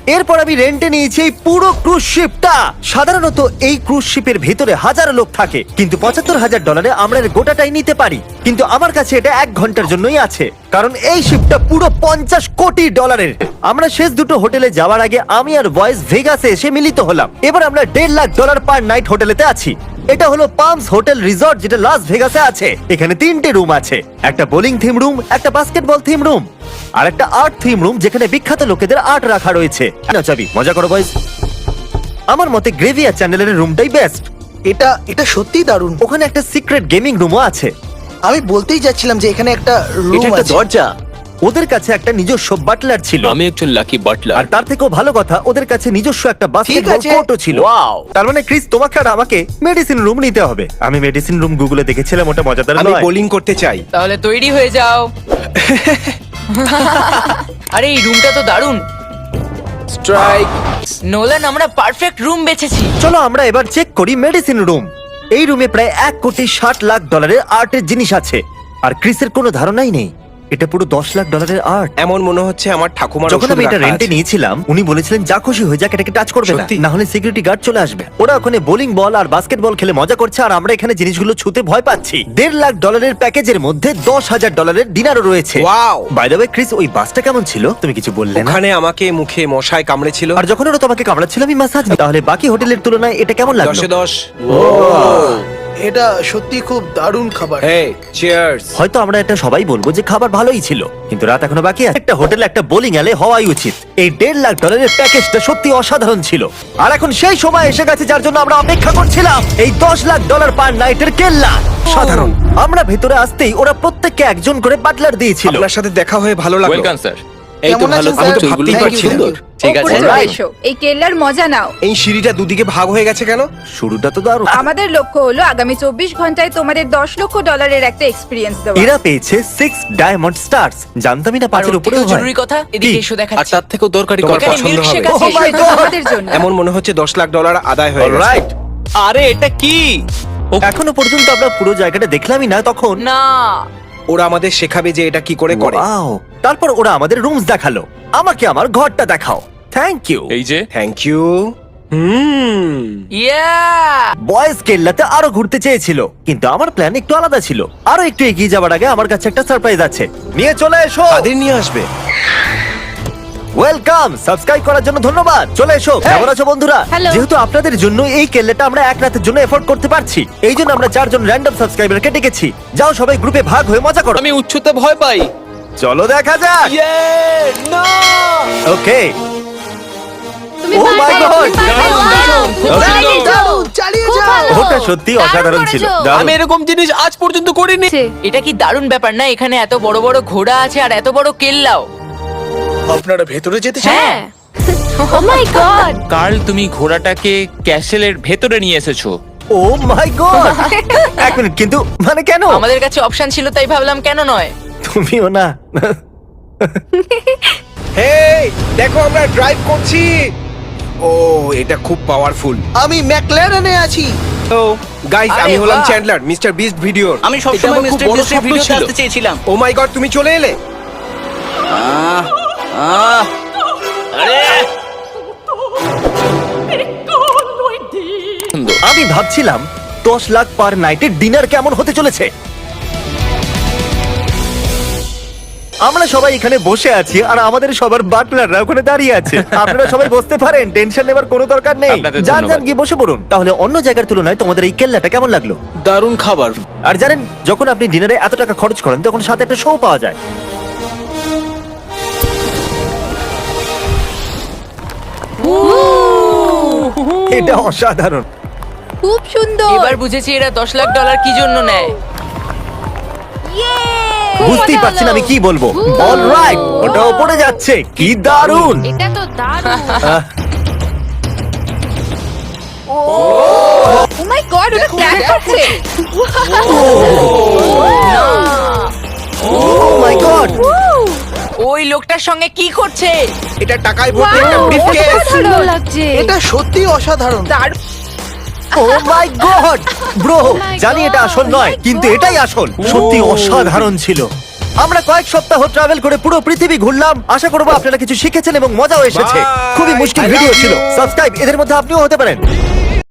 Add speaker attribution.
Speaker 1: এরপর আমি রেন্টে নিয়েছি এই পুরো ক্রুজ শিপটা। সাধারণত এই ক্রুজ শিপের ভেতরে হাজারো লোক থাকে, কিন্তু $৭৫,০০০ আমরা এর গোটাটাই নিতে পারি। কিন্তু আমার কাছে এটা 1 ঘন্টার জন্যই আছে, কারণ এই শিপটা পুরো $50 কোটি। আমরা শেষ দুটো হোটেলে যাওয়ার আগে আমি আর বয়েজ ভেগাসে এসে মিলিত হলাম। এবার আমরা $1.৫ লাখ পার নাইট হোটেলেতে আছি। এটা হলো পামস হোটেল রিসর্ট, যেটা লাস ভেগাসে আছে। এখানে 3টে রুম আছে, একটা বোলিং থিম রুম, একটা বাস্কেটবল থিম রুম, আর একটা আর্ট থিম রুম যেখানে বিখ্যাত লোকেদের আর্ট রাখা রয়েছে। নাও চাবি, মজা করো বয়েজ। আমার মতে গ্রেভিয়ার চ্যানেলের রুমটাই বেস্ট।
Speaker 2: এটা সত্যিই দারুণ।
Speaker 1: ওখানে একটা সিক্রেট গেমিং রুমও আছে।
Speaker 2: আমি বলতেই যাচ্ছিলাম যে এখানে একটা
Speaker 3: এটা
Speaker 2: রুম
Speaker 3: একটা
Speaker 2: আছে।
Speaker 3: দরজা।
Speaker 1: ওদের কাছে একটা নিজস্ব বাটলার ছিল,
Speaker 4: আমি একজন লাকি বাটলার।
Speaker 1: আর তার থেকেও ভালো কথা ওদের কাছে নিজস্ব একটা বাস্কেটবল
Speaker 2: আছে।
Speaker 1: কোর্টও ছিল।
Speaker 3: Wow!
Speaker 1: তার মানে ক্রিস, তোমাকে আর আমাকে মেডিসিন রুম নিতে হবে। আমি মেডিসিন রুম গুগলে দেখেছিলাম, ওটা মজাদার
Speaker 5: আমি
Speaker 1: নয়?
Speaker 5: বোলিং করতে চাই।
Speaker 6: তাহলে তৈরি হয়ে যাও। আরে এই রুমটা তো দারুণ।
Speaker 3: স্ট্রাইক।
Speaker 6: নোলান, আমরা পারফেক্ট রুম বেছেছি।
Speaker 1: চলো আমরা এবার চেক করি মেডিসিন রুম। এই রুমে প্রায় $1,60,00,000 আর্টের জিনিস আছে, আর ক্রিসের কোনো ধারণাই নেই এটা পুরো $10,00,000 আর্ট।
Speaker 5: এমন মনে হচ্ছে আমার ঠাকুমার
Speaker 1: যখন
Speaker 5: ওষুধ
Speaker 1: আমি এটা
Speaker 5: রাখা
Speaker 1: রেন্টে
Speaker 5: আছে।
Speaker 1: নিয়েছিলাম, উনি বলেছিলেন যা খুশি হয়ে যাক, এটাকে টাচ করবে না,
Speaker 5: সত্যি?
Speaker 1: না হলে সিকিউরিটি গার্ড চলে আসবে। ওরা ওখানে বোলিং বল আর বাস্কেটবল খেলে মজা করছে, আর আমরা এখানে জিনিসগুলো ছুতে ভয় পাচ্ছি। $1.5 লাখ প্যাকেজের মধ্যে $10,000 ডিনারও রয়েছে।
Speaker 5: Wow!
Speaker 1: By the way Chris, ওই বাসটা কেমন ছিল? তুমি কিছু বললে না।
Speaker 5: ওখানে আমাকে মুখে মশায় কামড়েছিল।
Speaker 1: আর যখন ওরা তোমাকে কামড়াচ্ছিল আমি মাসাজ। তাহলে বাকি হোটেলের তুলনায় এটা কেমন লাগলো?
Speaker 5: 10-এ 10।
Speaker 2: এটা সত্যি খুব দারুণ খাবার।
Speaker 5: Hey, cheers.
Speaker 1: হয়তো আমরা এটা সবাই বলবো যে খাবার ভালোই ছিল, কিন্তু রাত এখনো বাকি আছে। একটা হোটেলে একটা বোলিং অ্যালে হওয়াই উচিত। এই $1.5 লাখ প্যাকেজটা সত্যি অসাধারণ ছিল। আর এখন সেই সময় এসে গেছে যার জন্য আমরা অপেক্ষা করছিলাম, এই $10,00,000 পার নাইটের কেল্লা। সাধারণ। আমরা ভেতরে আসতেই ওরা প্রত্যেককে একজন করে বাটলার দিয়েছিল।
Speaker 5: আপনার সাথে দেখা হয়ে ভালো লাগলো।
Speaker 4: Welcome sir.
Speaker 3: এই তো
Speaker 2: কেমন
Speaker 3: ভালো,
Speaker 2: আছেন,
Speaker 3: আমি তো
Speaker 2: স্যার?
Speaker 3: ভাবতেই
Speaker 2: Thank you,
Speaker 3: পারছি না।
Speaker 2: সুন্দর।
Speaker 3: ঠিক আছে।
Speaker 7: ওপরে চলে
Speaker 1: Alright.
Speaker 7: এসো, এই কেল্লার মজা নাও।
Speaker 5: এই সিঁড়িটা দুদিকে ভাগ হয়ে গেছে কেন?
Speaker 1: শুরুটা তো দারুণ।
Speaker 7: আমাদের লক্ষ্য হলো আগামী 24 ঘন্টায় তোমাদের $10,00,000 একটা এক্সপিরিয়েন্স দেওয়া।
Speaker 1: এরা পেয়েছে 6 ডায়মন্ড স্টার্স। জানতামই না
Speaker 6: আর
Speaker 1: 5-এর
Speaker 6: ওর
Speaker 1: উপরে
Speaker 6: থেকেও জরুরি কথা, এদিকে এসো
Speaker 3: আর
Speaker 6: দেখাচ্ছি।
Speaker 3: তার থেকেও দরকারি
Speaker 5: তোমার
Speaker 3: কথা।
Speaker 6: এখানে
Speaker 5: পছন্দ
Speaker 6: মিল্কশেক
Speaker 5: হবে।
Speaker 6: আছে।
Speaker 1: Oh my
Speaker 7: এটা
Speaker 1: God!
Speaker 7: তোমাদের জন্য।
Speaker 5: এমন মনে হচ্ছে $10,00,000 আদায় হয়ে গেছে।
Speaker 1: অলরাইট।
Speaker 3: আরে এটা কি?
Speaker 1: এখনো পর্যন্ত আমরা পুরো জায়গাটা দেখলামই না। তখন
Speaker 6: না,
Speaker 5: ওরা আমাদের শেখাবে যে এটা কি করে করে।
Speaker 1: Wow! তারপর ওরা আমাদের রুমস দেখালো। আমাকে আমার ঘরটা দেখাও। Thank you.
Speaker 4: এই যে
Speaker 5: থ্যাংক ইউ।
Speaker 6: ইয়া
Speaker 1: বয়েজ কেল্লাতে আরো ঘুরতে চেয়েছিল, কিন্তু আমার প্ল্যান একটু আলাদা ছিল। আরো একটু এগিয়ে যাওয়ার আগে আমার কাছে একটা সারপ্রাইজ আছে। নিয়ে চলে এসো।
Speaker 5: তাদের নিয়ে আসবে।
Speaker 1: ওয়েলকাম। সাবস্ক্রাইব করার জন্য ধন্যবাদ। চলে এসো। কেমন আছো বন্ধুরা?
Speaker 7: Hello.
Speaker 1: যেহেতু আপনাদের জন্য এই কেল্লাটা আমরা এক রাতের জন্য এফোর্ড করতে পারছি, এই জন্য আমরা 4 জন র্যান্ডম সাবস্ক্রাইবারকে ডেকেছি। যাও সবাই গ্রুপে ভাগ হয়ে মজা করো।
Speaker 3: আমি উচ্চতা ভয় পাই।
Speaker 1: চলো দেখা যাক।
Speaker 3: ইয়ে! না!
Speaker 1: ওকে।
Speaker 7: তুমি
Speaker 1: Oh my
Speaker 7: পারবে,
Speaker 1: God!
Speaker 7: তুমি পারবে।
Speaker 4: দারুণ, দারুণ, খুব
Speaker 7: Wow!
Speaker 4: সুন্দর।
Speaker 7: চালিয়ে যাও,
Speaker 2: চালিয়ে
Speaker 7: খুব
Speaker 2: যাও।
Speaker 7: ভালো।
Speaker 1: ওটা সত্যি অসাধারণ ছিল।
Speaker 7: করেছো।
Speaker 1: দারুণ।
Speaker 3: আমি এরকম জিনিস আজ পর্যন্ত করিনি।
Speaker 6: এটা কি দারুণ ব্যাপার না? এখানে এত বড় বড় ঘোড়া আছে আর এত বড় কেল্লাও।
Speaker 2: আপনারা ভেতরে যেতে চান?
Speaker 6: হ্যাঁ,
Speaker 7: ও মাই গড।
Speaker 4: কার্ল, তুমি ঘোড়াটাকে ক্যাসেলের ভেতরে নিয়ে এসেছো।
Speaker 1: ও মাই গড। এক মিনিট, কিন্তু মানে কেন?
Speaker 6: আমাদের কাছে অপশন ছিল তাই ভাবলাম কেন নয়।
Speaker 1: তুমিও না।
Speaker 5: হেই, দেখো আমরা ড্রাইভ করছি। ও, এটা খুব পাওয়ারফুল।
Speaker 2: আমি ম্যাকল্যারেনে আছি।
Speaker 5: তো গাইস,
Speaker 6: আরে
Speaker 5: আমি হলাম
Speaker 6: বাহ।
Speaker 5: চ্যান্ডলার, মিস্টার বিস্ট ভিডিওর।
Speaker 3: আমি
Speaker 4: এটা
Speaker 3: সবসময়
Speaker 4: আমার খুব
Speaker 3: মিস্টার
Speaker 4: বড়
Speaker 3: বিস্টের
Speaker 4: স্বপ্ন
Speaker 3: ভিডিওতে
Speaker 4: ছিল।
Speaker 3: আসতে চেয়েছিলাম।
Speaker 5: ও মাই গড, তুমি চলে এলে।
Speaker 3: আহ, আহ, আরে!
Speaker 4: সুন্দর।
Speaker 1: আমি ভাবছিলাম 10 লাখ পার নাইটের ডিনার কেমন হতে চলেছে। আমরা সবাই এখানে বসে আছি আর আমাদের সবার বাটলাররা ওখানে দাঁড়িয়ে আছে। আপনারা সবাই বসতে পারেন, টেনশন নেবার কোনো দরকার নেই।
Speaker 4: আপনাদের
Speaker 1: যান
Speaker 4: ধন্যবাদ।
Speaker 1: যান গিয়ে বসে পড়ুন। তাহলে অন্য জায়গার তুলনায় তোমাদের এই কেল্লাটা কেমন লাগলো?
Speaker 3: দারুণ খাবার।
Speaker 1: আর জানেন, যখন আপনি ডিনারে এত টাকা খরচ করেন তখন সাথে একটা শো পাওয়া যায়। এটা অসাধারণ।
Speaker 7: খুব সুন্দর।
Speaker 6: এবার বুঝেছি এরা $10,00,000 কি জন্য নেয়।
Speaker 7: খুব
Speaker 1: বুঝতেই
Speaker 7: মজা
Speaker 1: পারছি না
Speaker 7: হলো।
Speaker 1: আমি কি বলবো। অলরাইট, ওটা উপরে যাচ্ছে। কি দারুণ।
Speaker 7: এটা তো দারুণ।
Speaker 1: আহ,
Speaker 7: ও মাই গড, ওটা ক্র্যাশ করছে।
Speaker 1: oh my God!
Speaker 6: ওই লোকটার সঙ্গে কি করছে?
Speaker 5: এটা টাকায় ভর্তি একটা
Speaker 7: Wow,
Speaker 5: ব্রিফকেস।
Speaker 7: অসাধারণ লাগছে।
Speaker 2: এটা সত্যি অসাধারণ।
Speaker 7: দারুণ।
Speaker 1: Oh my God! Bro,
Speaker 7: my
Speaker 1: জানি এটা
Speaker 7: God!
Speaker 1: আসল নয়,
Speaker 7: Oh my
Speaker 1: কিন্তু
Speaker 7: God!
Speaker 1: এটাই আসল। সত্যি অসাধারণ ছিল। আমরা কয়েক সপ্তাহ ট্রাভেল করে পুরো পৃথিবী ঘুরলাম। আশা করবো আপনারা কিছু শিখেছেন এবং মজাও এসেছে।
Speaker 5: Bye!
Speaker 1: খুবই মুশকিল
Speaker 5: I love
Speaker 1: ভিডিও ছিল।
Speaker 5: you!
Speaker 1: সাবস্ক্রাইব, এদের মধ্যে আপনিও হতে পারেন।